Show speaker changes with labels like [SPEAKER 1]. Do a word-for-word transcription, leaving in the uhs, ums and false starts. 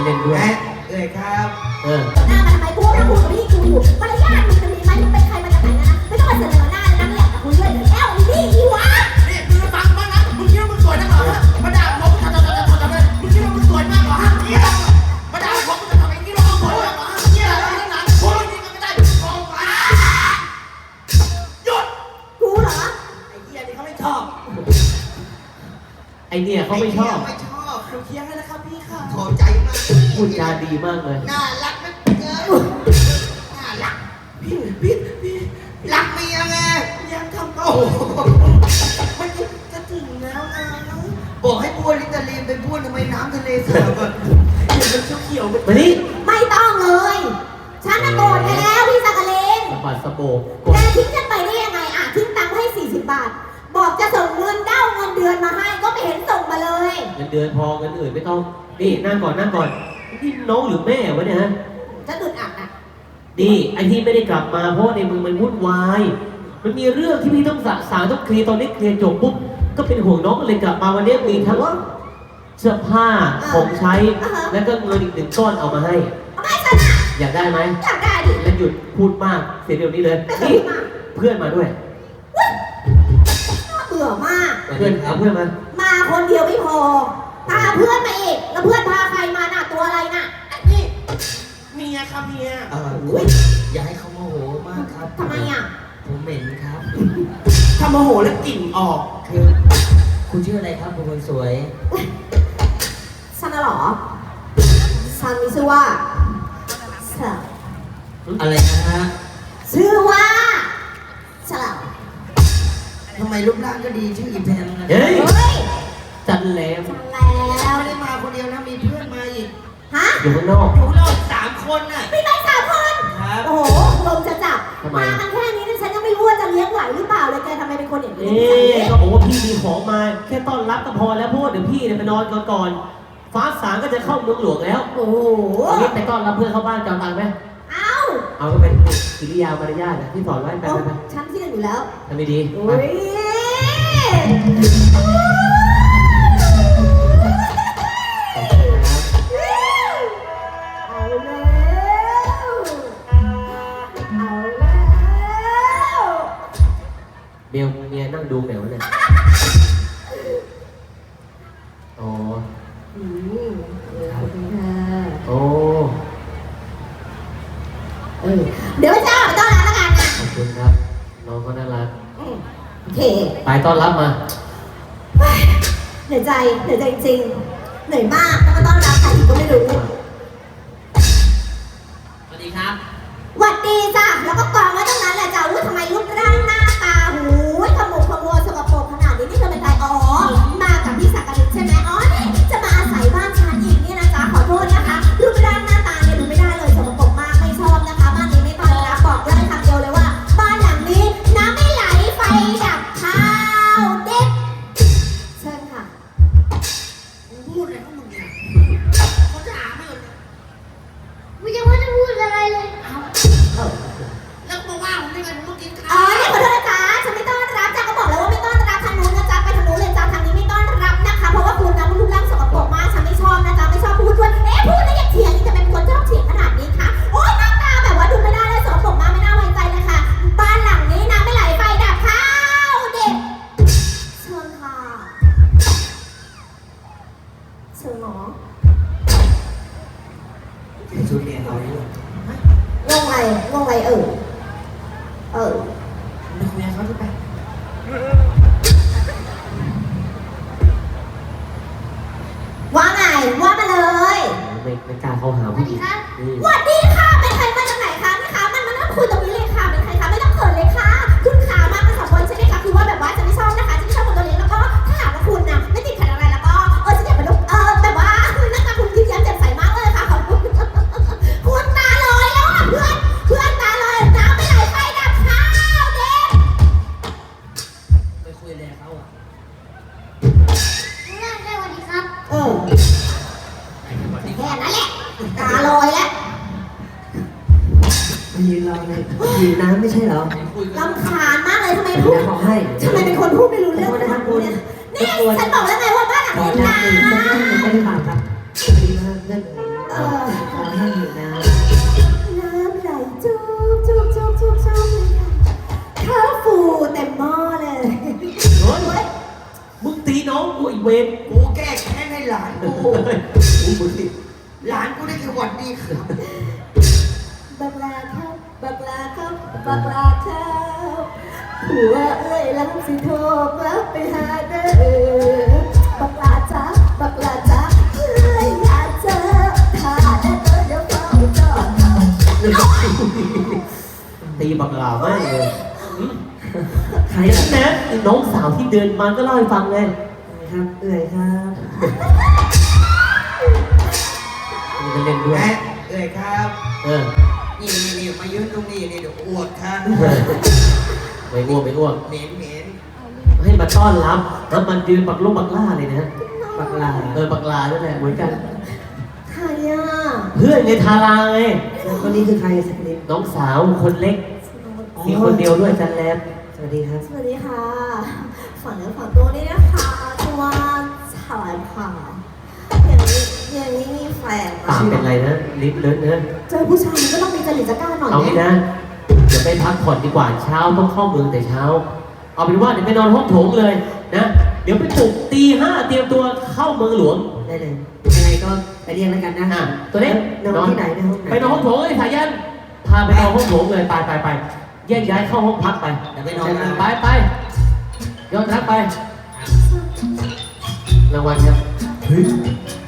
[SPEAKER 1] เล่นด้วย
[SPEAKER 2] เลยครับ
[SPEAKER 3] เออหน้ามันทำไมกูนะกูกับพี่กูอยู่มารยาทมึงจะมีไหมมึงเป็นใครมาจากไหนนะไม่ต้องมาเสนอหน้าเลยนะไม่อยากจะคุยด้วยแก้วอีนี่อีวะ
[SPEAKER 2] นี่มึงฟังบ้างนะมึงคิดว่ามึงสวยนักเหรอมาด่าผมทำทำทำทำทำเลยมึงคิดว่ามึงสวยมากเหรอฮะเนี่ยมาด่าผมจะทำอย่างนี้เราสวยมากเหรอฮะเนี่ยอะไรทั้งนั้นพูดจริงกันไม่ได้มองไปหยุด
[SPEAKER 3] กูเหรอ
[SPEAKER 2] ไอ้เหี้ยนี่เขาไม่ชอบ
[SPEAKER 1] ไอเนี่ยเขาไม่ชอบ
[SPEAKER 2] ไม่ชอบหนูเคียงให้นะครับพี่ค่ะขอบใจมาก
[SPEAKER 1] พูดจาดีมากเลย
[SPEAKER 2] น่ารักนะเกินน่ารักพี่พี่พี่รักเมียไงยังทำโอ้มันจะถึงแล้วนะบอกให้บ้วนลิตาลีนไปบ้วนทำไมน้ำทะเลเสือกอ่ะมันเขียวๆ
[SPEAKER 1] มานี่
[SPEAKER 3] ไม่ต้องเลยฉันน่ะโกรธแกแล้วพี่สักกะเลน
[SPEAKER 1] สะบัดสะโบก
[SPEAKER 3] แกทิ้งฉันไปได้ยังไงอ่ะทิ้งตังค์ให้สี่สิบบาทบอกจะส่งเงินเด้าเงินเดือนมาให้ก็ไม่เห็นส่งมาเลย
[SPEAKER 1] เงินเดือนพอเงินอื่นไม่ต้องนี่นั่งก่อนนั่งก่อนนี่น้องหรือแม่วะเนี่ยฮะ
[SPEAKER 3] จะอึดอัดอ่ะ
[SPEAKER 1] นี่ไอที่ไม่ได้กลับมาเพราะในมือมันวุ่นวายมันมีเรื่องที่พี่ต้องสะสางต้องเคลียร์ตอนนี้เคลียร์จบปุ๊บก็เป็นห่วงน้องก็เลยกลับมาวันนี้มีทั้งเสื้อผ้าของใช้แล้วก็เงินอีกหนึ่งก้อนเอามาให้
[SPEAKER 3] เอาให้ฉันอ่ะ
[SPEAKER 1] อยากได้ไหม
[SPEAKER 3] อยากได้ดิ
[SPEAKER 1] แล้วหยุดพูดมากเสียเดี๋ยวนี้เลยนี่เพื่อนมาด้วย
[SPEAKER 3] เบื่อมาก
[SPEAKER 1] เพื่อนเอาเพื่อนมา
[SPEAKER 3] มาคนเดียวไม่พอพาเพื่อนมาอีกแล้วเพื่อนพาใครมาน่ะตัวอะไรน่ะ
[SPEAKER 2] นี่เมียครับเมียเอออย่าให้เขาโมโหมากครับ
[SPEAKER 3] ทำไมอ่ะ
[SPEAKER 2] ผมเหม็นครับถ้าโมโหแล้วกลิ่นออกคือคุณชื่ออะไรครับคุณคนสวย
[SPEAKER 3] ฉันน่ะหรอฉันมีชื่อว่า
[SPEAKER 2] อะไรนะฮะ
[SPEAKER 3] ชื่อว่าฉลาด
[SPEAKER 2] ทำไมรูปร่างก็ดีชื่ออีแพมนะ
[SPEAKER 1] เฮ้ยจันแล้ว
[SPEAKER 3] จันแล้ว
[SPEAKER 2] ไม่ได้มาคนเดียวนะมีเพื่อนมาอีก
[SPEAKER 3] ฮะ
[SPEAKER 1] อยู่ข้างนอก
[SPEAKER 2] อยู่ข้างนอกสามคนน่ะ
[SPEAKER 3] มีไปสามคน
[SPEAKER 2] ครับ
[SPEAKER 3] โอ้โหลมจะจับมากันแค่นี้ฉันยังไม่รู้ว่าจะเลี้ยงไหวหรือเปล่าเลยแกทำไมเป็นคนอย่างนี้
[SPEAKER 1] เก็บอกว่าพี่มีของมาแค่ต้อนรับก็พอแล้วเพราะเดี๋ยวพี่เนี่ยไปนอนก่อนก่อนฟ้าสางก็จะเข้าเมืองหลวงแล้ว
[SPEAKER 3] โอ้โห
[SPEAKER 1] นี่ไปต้อนรับเพื่อนเข้าบ้านจำตังไหม
[SPEAKER 3] เอา
[SPEAKER 1] เอาก็เป็นกิริยามารยาทที่สอนไว้ไปไป
[SPEAKER 3] ฉันที่หนึ่งอยู่แล้ว
[SPEAKER 1] ทำไม่ดี
[SPEAKER 3] โอ้ยเอาแล้วเอาแล้ว
[SPEAKER 1] เบลเมียนั่งดูแมวเนี่ยอ๋อ
[SPEAKER 3] อืม
[SPEAKER 1] โอ้
[SPEAKER 3] เออเดี๋ยวเจ้าไปต้อนรับแล้วกันนะ
[SPEAKER 1] ขอบคุณครับน้องเขาน่ารัก
[SPEAKER 3] โอเค
[SPEAKER 1] ไปต้อนรับมา
[SPEAKER 3] เหนื่อยใจเหนื่อยใจจริงเหนื่อยมากต้องมาต้อนรับใครอีกก็ไม่รู้
[SPEAKER 2] สวัสดีครับ
[SPEAKER 3] สวัสดีจ้ะแล้วก็กองไว้ตรงนั้นแหละจ้ะว่าทำไมรูปร่างหน้าตาหูขมุกขมัวสกปรกขนาดนี้นี่เธอเป็นใครอ๋อมากับพี่สักกะลิใช่ไหมอ๋อนี่จะมาอาศัยบ้านฉันอีกนี่นะจ๊ะขอโทษนะคะรูปร่างหน้าตาเนี่ยดูไม่ได้เลยสกปรกมากไม่ชอบนะคะบ้านนี้ไม่ต้อนรับบอกได้คำเดียวเลยว่าบ้านหลังนี้น้ำไม่ไหลไฟดับข้าวเด็ดเชิญค่ะ
[SPEAKER 2] พูดอะไรของมึงเนี่ยเขาจะหาไม่หมด
[SPEAKER 3] ไม่ยังไม่ได้พูดอะไรเลย
[SPEAKER 2] เอาแล้วมาว่าผมได้ไงผมต้องกินข้าว
[SPEAKER 3] อ๋อเนี่ยขอโทษนะจ๊ะฉันไม่ต้อนรับจ้ะก็บอกแล้วว่าไม่ต้อนรับทางนู้นนะจ๊ะไปทางนู้นเลยจ้ะทางนี้ไม่ต้อนรับนะคะเพราะว่าคุณนะรูปร่างสกปรกมากฉันไม่ชอบนะจ๊ะไม่ชอบพูดด้วยเอ๊ะพูดแล้วอย่าเถียงจะเป็นคนชอบเถียงขนาดนี้คะโอ๊ยหน้าตาแบบว่าดูไม่ได้เลยสกปรกมากไม่น่าไว้ใจเลยค่ะบ้านหลังนี้น้ำไม่ไหลไฟดับข้าวเด็ดเชิญค่ะเชิญหมอ
[SPEAKER 2] ชุดเรียนเราเนี่ย
[SPEAKER 3] งงไงงงไงเออเออ
[SPEAKER 2] ไปคุยกับเขาที่ไป
[SPEAKER 3] ว่าไงว่ามาเลย
[SPEAKER 1] ไม่ไม่กล้าเข้าหา
[SPEAKER 3] ผู้หญิงสวัสดีค่ะเป็นใครมาจากไหนคะนะคะมันมานั่งคุยตรงนี้เลยค่ะเป็นใครคะไม่ต้องเขินเลยค่ะคุณขามากันสองคนใช่ไหมคะคือว่าแบบว่าจะไม่ชอบนะคะจะไม่ชอบคนตัวเล็กแล้วก็ถ้าหากว่าคุณนะไม่ติดขัดอะไรแล้วก็เออฉันอยากเป็นลูกเออแบบว่าหน้าตาคุณยิ้มแย้มแจ่มใสมากเลยค่ะขอบคุณคุณตาลอยแล้วอ่ะเพื่อนเพื่อนตาลอยน้ำไม่ไหลไฟดับข้าวเด็ก
[SPEAKER 2] ไปคุยอะไรเขาอ่ะ
[SPEAKER 3] ได้ได้สวัสดีครับเออแค่นั้นแหละตาลอยแล้ว
[SPEAKER 2] ยืนรอเลยยืนน้ำไม่ใช่เหรอ
[SPEAKER 3] รำคาญมากเลยทำไมพูดทำไมเป็นคนพูดไม่รู้เรื่องนะคะคุณนี่ฉันบอกแล้วไงว่าบ้านหลังนี้นะ
[SPEAKER 2] ไม่ได้บาปครับดีมากเพื่อน
[SPEAKER 3] เอเออ
[SPEAKER 4] ขอให้อยู่นะ
[SPEAKER 3] น้ำไหลจุ๊บจุ๊บจุ๊บจุ๊บจุ๊บเลยค่ะข้าวฟูเต็มหม้อเลย
[SPEAKER 1] เฮ้ยมึงตีน้องกูอีกเวร
[SPEAKER 2] กูแก้แค้นให้หลานกู
[SPEAKER 1] กูมึงติ
[SPEAKER 2] หลานกูได้แค่หวัดดีครับ
[SPEAKER 3] บักลาครับบักลาครับบักลาครับผัวเอ้ยลังสิโทรกลับไปหาเด้อบักลาจ้าบักลาจ้าเอ้ยอยากเจอถ้าได้เจอเดี๋ยวเฝ้าจอด
[SPEAKER 1] ตีบักหลามากเลยหืม
[SPEAKER 4] ใคร
[SPEAKER 1] ไอ้
[SPEAKER 4] ล่ะ
[SPEAKER 1] นะไอ้น้องสาวที่เดินมาก็เล่าให้ฟังไง
[SPEAKER 4] ครับเอื่อยครับ
[SPEAKER 1] มึงจะเล่นด้วย
[SPEAKER 2] แม่เอ้ยครับ
[SPEAKER 1] เออ
[SPEAKER 2] นี่นี่นี่มายืนตรงนี้นี่เดี๋ยวอวดครับ
[SPEAKER 1] ไม่อ้วกไม่อ้วก
[SPEAKER 2] เหม็นเหม็น
[SPEAKER 1] ให้มาต้อนรับแล้วมันยืนบักลงบักล่าเลยนะ
[SPEAKER 4] บักลา
[SPEAKER 1] เออบักลานั่นแหละเหมือนกัน
[SPEAKER 3] ใครอ่ะ
[SPEAKER 1] เพื่อนไงทาราไง
[SPEAKER 4] แล้วคนนี้คือใครสักนิด
[SPEAKER 1] น้องสาวคนเล็ก มีคนเดียวด้วยจันแลม
[SPEAKER 4] สวัสดีครับ
[SPEAKER 3] สวัสดีค่ะฝั่งเนื้อฝั่งตัวนี้นะคะชื่อว่าฉลายผ่าอย่างนี้อย่างนี้มีแฟน
[SPEAKER 1] ปากเป็นไรนะลิปเลอะเนอะ
[SPEAKER 3] เจอผู้ชายก็ต้องมีจริตจักร้าหน่อย
[SPEAKER 1] เอางี้นะเดี๋ยวไปพักผ่อนดีกว่าเช้าต้องเข้าเมืองแต่เช้า เอาเป็นว่าเดี๋ยวไปนอนห้องโถงเลยนะ เดี๋ยวไปปลุกตีห้าเตรียมตัวเข้าเมืองหลวง
[SPEAKER 4] ได้เลย ยังไงก็ไปเรียกแล้วกันนะ
[SPEAKER 1] อ่ะตัวเล็ก
[SPEAKER 4] นอนที่ไหนในห้องไหน
[SPEAKER 1] ไปนอนห้องโถงไอ้สายัน พาไปนอนห้องโถงเลยไปไปไปแยกย้ายเข้าห้องพักไป
[SPEAKER 2] เดี๋ยวไปนอนนะ
[SPEAKER 1] ไปไปยอดรักไปรางวัลครับ
[SPEAKER 4] เฮ้ย